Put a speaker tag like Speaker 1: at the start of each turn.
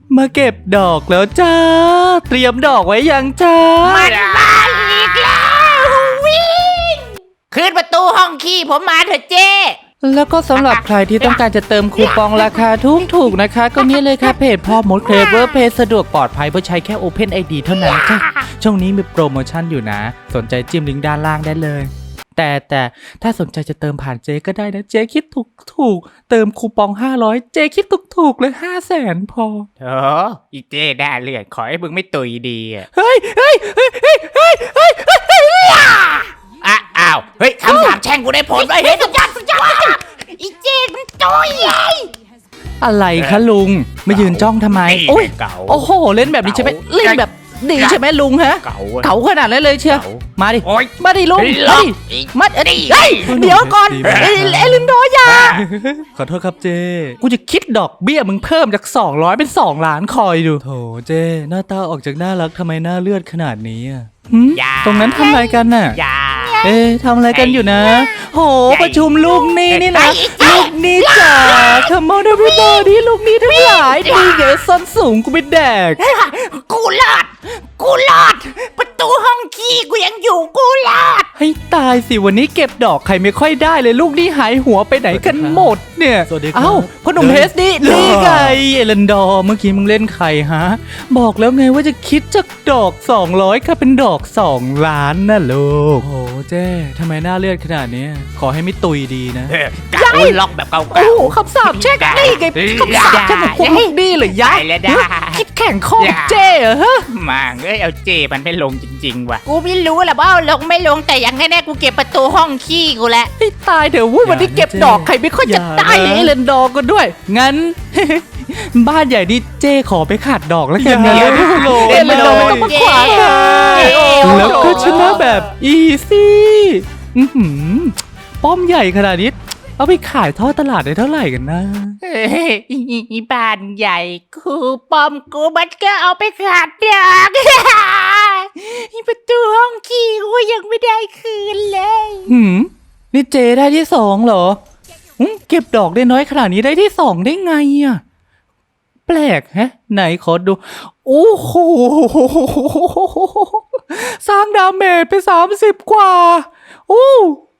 Speaker 1: มาเก็บดอกแล้วจ้าเตรียมดอกไว้ยังจ้า
Speaker 2: มันมาอีกแล้ววิ่งขึ้นประตูห้องขี้ผมมาเถอะเจ้
Speaker 1: แล้วก็สำหรับใครที่ต้องการจะเติมคูปองราคาถูกนะคะก็นี่เลยค่ะเพจพ่อมดเคลเวอร์เพจสะดวกปลอดภัยเพื่อใช้แค่ Open ID เท่านั้นค่ะช่วงนี้มีโปรโมชั่นอยู่นะสนใจจิ้มลิงก์ด้านล่างได้เลยแต่ถ้าสนใจจะเติมผ่านเจ๊ก็ได้นะเจ๊คิดถูกเติมคูปอง500เจ๊คิดถูกเลย500,000พอ
Speaker 2: อีเจ้ได้เลือดขอให้มึงไม่ตุยดี
Speaker 1: เฮ้ย
Speaker 2: อ้าวเฮ้ยคำสาปแช่งกูได้ผลไปเฮ้ยสุดยอดอีเจ้มันตุย
Speaker 1: อะไรคะลุงมายืนจ้องทำไมโอ้ย
Speaker 2: เก่า
Speaker 1: โอ้โหเล่นแบบนี้ใช่ไหมเล่นแบบดีใช่ไหมลุงฮะเก๋าขนาดนั้นเลยเชียวมาดิมาดิลุงมาดิเดี๋ยวก่อนเอลินโดยาขอโทษครับเจกูจะคิดดอกเบี้ยมึงเพิ่มจาก200เป็น2ล้านคอยดูโถเจหน้าตาออกจากน่ารักทำไมหน้าเลือดขนาดนี้อ่ะตรงนั้นทำอะไรกันน่ะทำอะไรกันอยู่นะโหประชุมลูกนี่นะลูกนี่จ๋า Come on everybody ลูกนี่ทั้งหลายดีเก๋ส้นสูงกูไม่แดก
Speaker 2: กูรอดประตูห้องขี้กูยังอยู่กูรอด
Speaker 1: ให้ตายสิวันนี้เก็บดอกใครไม่ค่อยได้เลยลูกนี่หายหัวไปไหนกันหมดเนี่ยเอ้าพ่อหนุ่มเฮสนี่ไงเอเลนดอร์เมื่อกี้มึงเล่นใครฮะบอกแล้วไงว่าจะคิดจากดอก200ค่ะเป็นดอก2ล้านนะลูกโอ้เจ้ทำไมหน้าเลือดขนาดนี้ขอให้ไม่ตุยดีนะ
Speaker 2: กาล็อกแบบเก่าๆ
Speaker 1: โอ้โหคำสาปแช่งนี่ไงคำสาปแช่งของพวกลูกนี่เลยยะคิดแข่งข้อเจ้เหรอฮะ
Speaker 2: มาเอาเจมันไม่ลงจริงๆว่ะกูไม่รู้แหละว่าลงไม่ลงแต่อย่างแน่ๆกูเก็บประตูห้องขี้กูแล้ว
Speaker 1: ให้ตายเดี๋ยววันนี้เก็บดอกใครไม่ค่อยจะได้เอเลนดอร์ก็ด้วยงั้นบ้านใหญ่ดิเจ้ขอไปขาดดอกแล้วกันนะเอเลนดอร์ไม่ต้องมาขวางแล้วก็ชนะแบบอีซี่ป้อมใหญ่ขนาดนี้เอาไปขายทอดตลาดได้เท่าไหร่กันนะ
Speaker 2: บ้านใหญ่กูป้อมกูมันก็เอาไปขาดดอกประตูห้องขี้กูยังไม่ได้คืนเลย
Speaker 1: นี่เจได้ที่2เหรอเก็บดอกได้น้อยขนาดนี้ได้ที่2ได้ไงอ่ะแปลกฮะไหนขอดูโอ้โหสร้างดาเมจไป30กว่าโอ้